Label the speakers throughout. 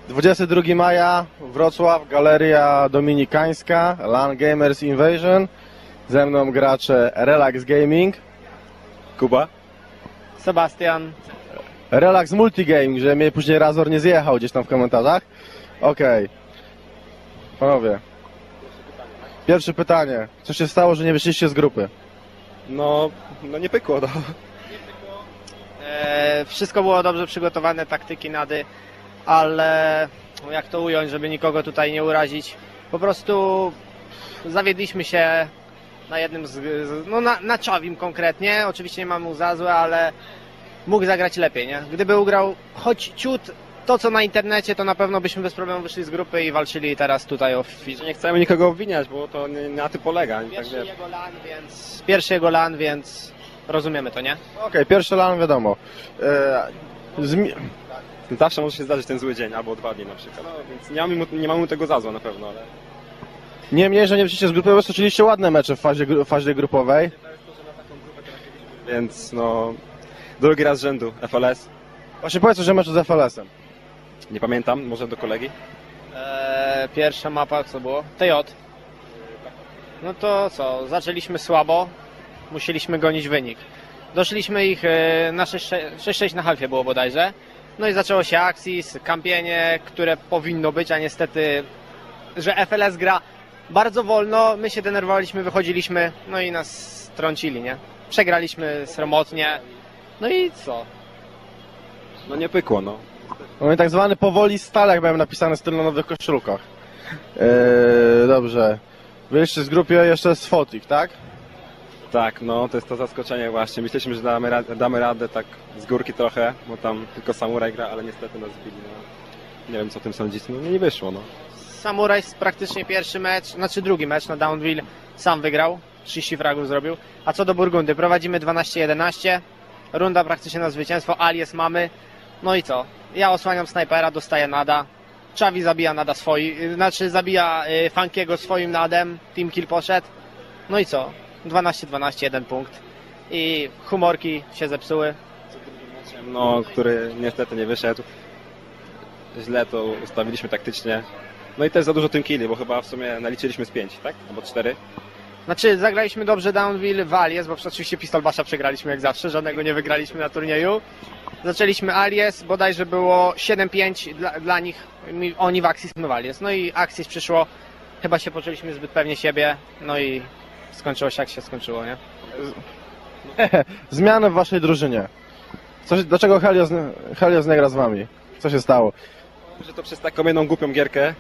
Speaker 1: 22 maja, Wrocław, Galeria Dominikańska, LAN Gamers Invasion. Ze mną gracze Relax Gaming,
Speaker 2: Kuba.
Speaker 3: Sebastian.
Speaker 1: Relax Multigaming, że mnie później Razor nie zjechał gdzieś tam w komentarzach. Okej. Panowie. Pierwsze pytanie. Co się stało, że nie wyszliście z grupy?
Speaker 2: No nie pykło, no.
Speaker 3: Wszystko było dobrze przygotowane, taktyki, nady, ale jak to ująć, żeby nikogo tutaj nie urazić. Po prostu zawiedliśmy się na jednym na Czawim konkretnie. Oczywiście nie mamy mu za złe, ale mógł zagrać lepiej, nie? Gdyby ugrał choć ciut to, co na internecie, to na pewno byśmy bez problemu wyszli z grupy i walczyli teraz tutaj o
Speaker 2: Że nie chcemy nikogo obwiniać, bo to nie na tym polega.
Speaker 3: Pierwszy jego LAN, więc rozumiemy to, nie?
Speaker 1: Okej, pierwszy LAN wiadomo.
Speaker 2: Zawsze może się zdarzyć ten zły dzień, albo 2 dni na przykład. No, więc nie mamy tego za złe na pewno, ale...
Speaker 1: Niemniej, że nie wyszliście z grupy, bo stoczyliście ładne mecze w fazie grupowej.
Speaker 2: Więc no... Drugi raz z rzędu, FLS.
Speaker 1: Właśnie powiedz, że mecz z FLS-em.
Speaker 2: Nie pamiętam, może do kolegi?
Speaker 3: Pierwsza mapa, co było? TJ. No to co, zaczęliśmy słabo, musieliśmy gonić wynik. Doszliśmy ich na 6-6 na halfie było bodajże. No i zaczęło się Axis, kampienie, które powinno być, a niestety, że FLS gra bardzo wolno, my się denerwowaliśmy, wychodziliśmy, no i nas strącili, nie? Przegraliśmy sromotnie, no i co?
Speaker 2: No nie pykło, no.
Speaker 1: No i tak zwany powoli stale, jak miałem napisane styl na nowych koszulkach. Dobrze. Byliście z grupy jeszcze z Fotik, tak?
Speaker 2: Tak, no to jest to zaskoczenie właśnie. Myśleliśmy, że damy radę tak z górki trochę, bo tam tylko Samuraj gra, ale niestety nas zbili. No. Nie wiem, co o tym sądzicie, no nie wyszło, no.
Speaker 3: Samuraj praktycznie pierwszy mecz, znaczy drugi mecz na Downville sam wygrał, 30 fragów zrobił. A co do Burgundy, prowadzimy 12-11, runda praktycznie na zwycięstwo, alias mamy. No i co? Ja osłaniam snajpera, dostaję nada. Czawi zabija nada zabija Funkiego swoim nadem, team kill poszedł. No i co? 12-12, 1 punkt. I humorki się zepsuły.
Speaker 2: No, który niestety nie wyszedł. Źle to ustawiliśmy taktycznie. No i też za dużo tym killi, bo chyba w sumie naliczyliśmy z 5, tak? Albo 4.
Speaker 3: Znaczy, zagraliśmy dobrze Downville w Alias, bo oczywiście Pistol Basha przegraliśmy jak zawsze, żadnego nie wygraliśmy na turnieju. Zaczęliśmy Alias, bodajże było 7-5 dla nich, oni w Axis, my w Alias. No i Axis przyszło, chyba się poczuliśmy zbyt pewnie siebie, no i skończyło się jak się skończyło, nie?
Speaker 1: Zmiany w waszej drużynie. Dlaczego Helios nie gra z wami? Co się stało?
Speaker 2: Że to przez taką jedną głupią gierkę.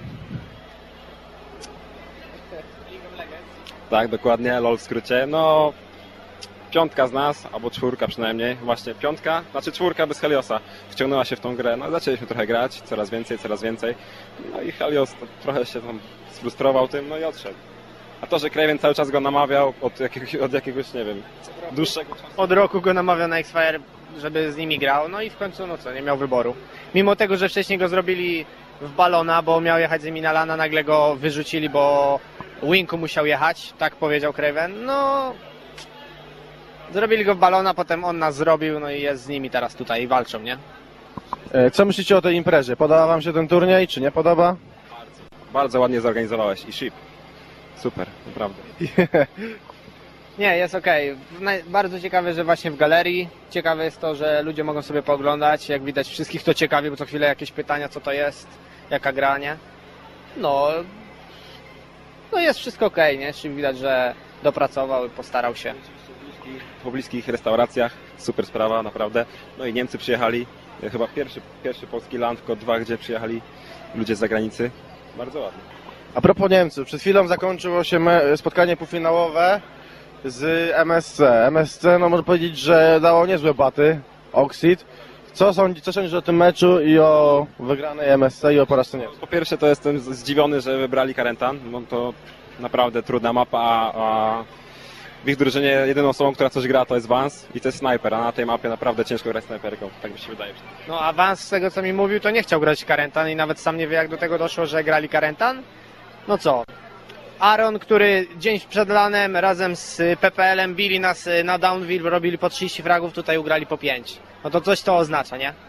Speaker 2: Tak, dokładnie, LOL w skrócie. No, 5 z nas, albo 4 przynajmniej, właśnie 5, znaczy 4 bez Heliosa wciągnęła się w tą grę, no zaczęliśmy trochę grać, coraz więcej, no i Helios trochę się tam sfrustrował tym, no i odszedł. A to, że Kraven cały czas go namawiał od jakiegoś, nie wiem, dłuższego czasu.
Speaker 3: Od roku go namawiał na X-Fire, żeby z nimi grał, no i w końcu, no co, nie miał wyboru. Mimo tego, że wcześniej go zrobili w balona, bo miał jechać z nimi na lana, nagle go wyrzucili, bo Winku musiał jechać, tak powiedział Kraven, no... Zrobili go w balona, potem on nas zrobił, no i jest z nimi teraz tutaj i walczą, nie?
Speaker 1: Co myślicie o tej imprezie? Podoba wam się ten turniej, czy nie podoba?
Speaker 2: Bardzo ładnie zorganizowałeś i ship. Super, naprawdę.
Speaker 3: Nie, jest okej. Bardzo ciekawe, że właśnie w galerii. Ciekawe jest to, że ludzie mogą sobie pooglądać. Jak widać, wszystkich to ciekawi, bo co chwilę jakieś pytania, co to jest, jaka gra, nie? No jest wszystko okej, nie? Czyli widać, że dopracował i postarał się.
Speaker 2: W pobliskich restauracjach, super sprawa, naprawdę. No i Niemcy przyjechali, chyba pierwszy polski LAN, tylko 2, gdzie przyjechali ludzie z zagranicy. Bardzo ładnie.
Speaker 1: A propos Niemców, przed chwilą zakończyło się spotkanie półfinałowe z MSC. MSC, no można powiedzieć, że dało niezłe baty, Oxid. Co sądzisz o tym meczu i o wygranej MSC i o porażce Niemców?
Speaker 2: Po pierwsze to jestem zdziwiony, że wybrali Karentan, bo to naprawdę trudna mapa, a w ich drużynie jedyną osobą, która coś gra, to jest Vance i to jest snajper, a na tej mapie naprawdę ciężko grać snajperką, tak mi się wydaje.
Speaker 3: No a Vance, z tego co mi mówił, to nie chciał grać Karentan i nawet sam nie wie, jak do tego doszło, że grali Karentan. No co? Aaron, który dzień przed lanem razem z PPL-em bili nas na Downville, robili po 30 fragów, tutaj ugrali po 5. No to coś to oznacza, nie?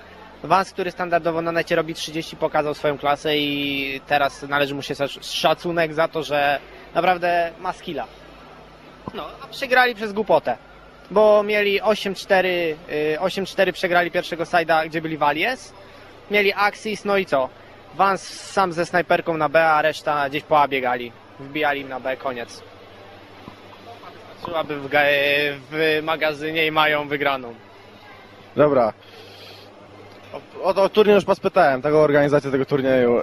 Speaker 3: Vans, który standardowo na necie robi 30, pokazał swoją klasę i teraz należy mu się szacunek za to, że naprawdę ma skilla. No, a przegrali przez głupotę, bo mieli 8-4 przegrali pierwszego side'a, gdzie byli Valies, mieli Axis, no i co? Vans sam ze snajperką na B, a reszta gdzieś po A biegali. Wbijali im na B, koniec. Wystarczyłaby w magazynie i mają wygraną.
Speaker 1: Dobra. O turniej już was pytałem, tego organizację tego turnieju.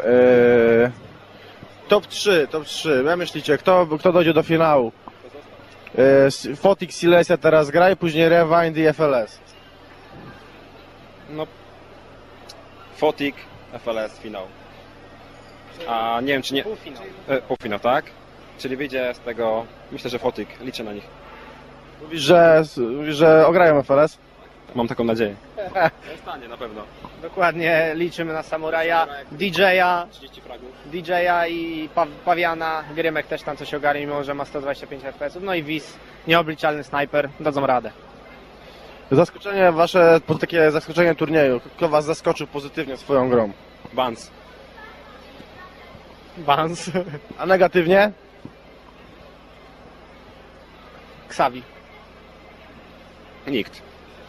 Speaker 1: Top 3. Jak myślicie, kto dojdzie do finału? Fotik, Silesia teraz gra i później Rewind i FLS.
Speaker 2: No, Fotik, FLS, finał. A nie wiem, czy nie...
Speaker 3: Półfinał.
Speaker 2: Półfinał, tak? Czyli wyjdzie z tego, myślę, że Fotik, liczę na nich.
Speaker 1: Mówisz, że ograją FLS?
Speaker 2: Mam taką nadzieję. Stanie na pewno.
Speaker 3: Dokładnie, liczymy na Samuraja, DJ-a
Speaker 2: 30 fragów.
Speaker 3: DJ-a i Pawiana. Grymek też tam coś ogarnie, mimo że ma 125 FPS. No i Wiz, nieobliczalny snajper, dadzą radę.
Speaker 1: Zaskoczenie wasze, takie zaskoczenie turnieju. Kto was zaskoczył pozytywnie swoją grą?
Speaker 2: Vans.
Speaker 3: Vans.
Speaker 1: A negatywnie?
Speaker 3: Xavi.
Speaker 2: Nikt.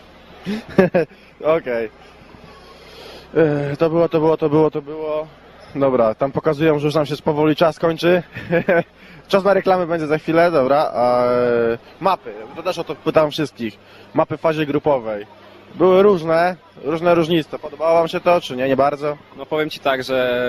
Speaker 1: Okej. To było. Dobra, tam pokazują, że już nam się powoli czas kończy. Czas na reklamy będzie za chwilę, dobra. Mapy, to też o to pytam wszystkich. Mapy w fazie grupowej. Były różne różnice. Podobało wam się to, czy nie? Nie bardzo?
Speaker 2: No powiem Ci tak, że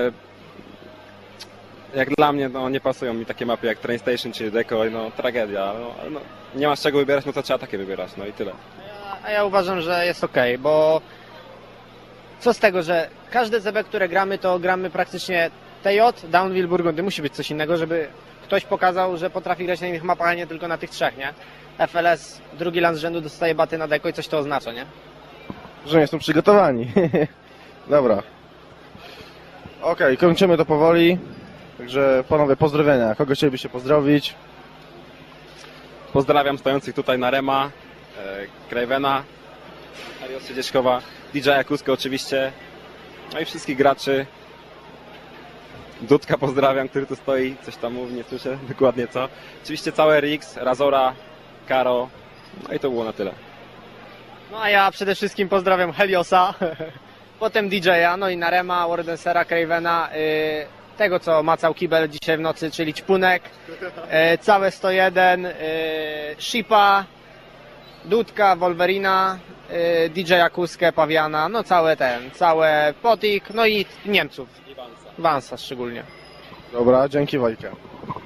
Speaker 2: jak dla mnie no, nie pasują mi takie mapy jak Train Station czy Decoy, no tragedia. No, nie masz czego wybierać, no to trzeba takie wybierać, no i tyle.
Speaker 3: A ja uważam, że jest okej, bo co z tego, że każde ZB, które gramy, to gramy praktycznie TJ, Downville, Burgundy. Musi być coś innego, żeby ktoś pokazał, że potrafi grać na innych mapach, a nie tylko na tych trzech, nie? FLS, drugi land z rzędu dostaje baty na deko i coś to oznacza, nie?
Speaker 1: Że nie są przygotowani. Dobra. Okej, kończymy to powoli. Także panowie, pozdrowienia. Kogo chcielibyście pozdrowić?
Speaker 2: Pozdrawiam stojących tutaj na Rema, Cravena, Arios Siedzieszkowa, DJ-a Kuskę oczywiście, no i wszystkich graczy. Dudka pozdrawiam, który tu stoi, coś tam mówi, nie słyszę dokładnie co. Oczywiście całe RX, Razora, Karo, no i to było na tyle.
Speaker 3: No a ja przede wszystkim pozdrawiam Heliosa, potem DJ-a, no i Narema, Wardensera, Cravena, tego co macał kibel dzisiaj w nocy, czyli Ćpunek, całe 101, Shipa, Dudka, Wolverina, DJ-a Kuskę, Pawiana, no całe Potik, no i Niemców, Vansa szczególnie.
Speaker 1: Dobra, dzięki Wojcie.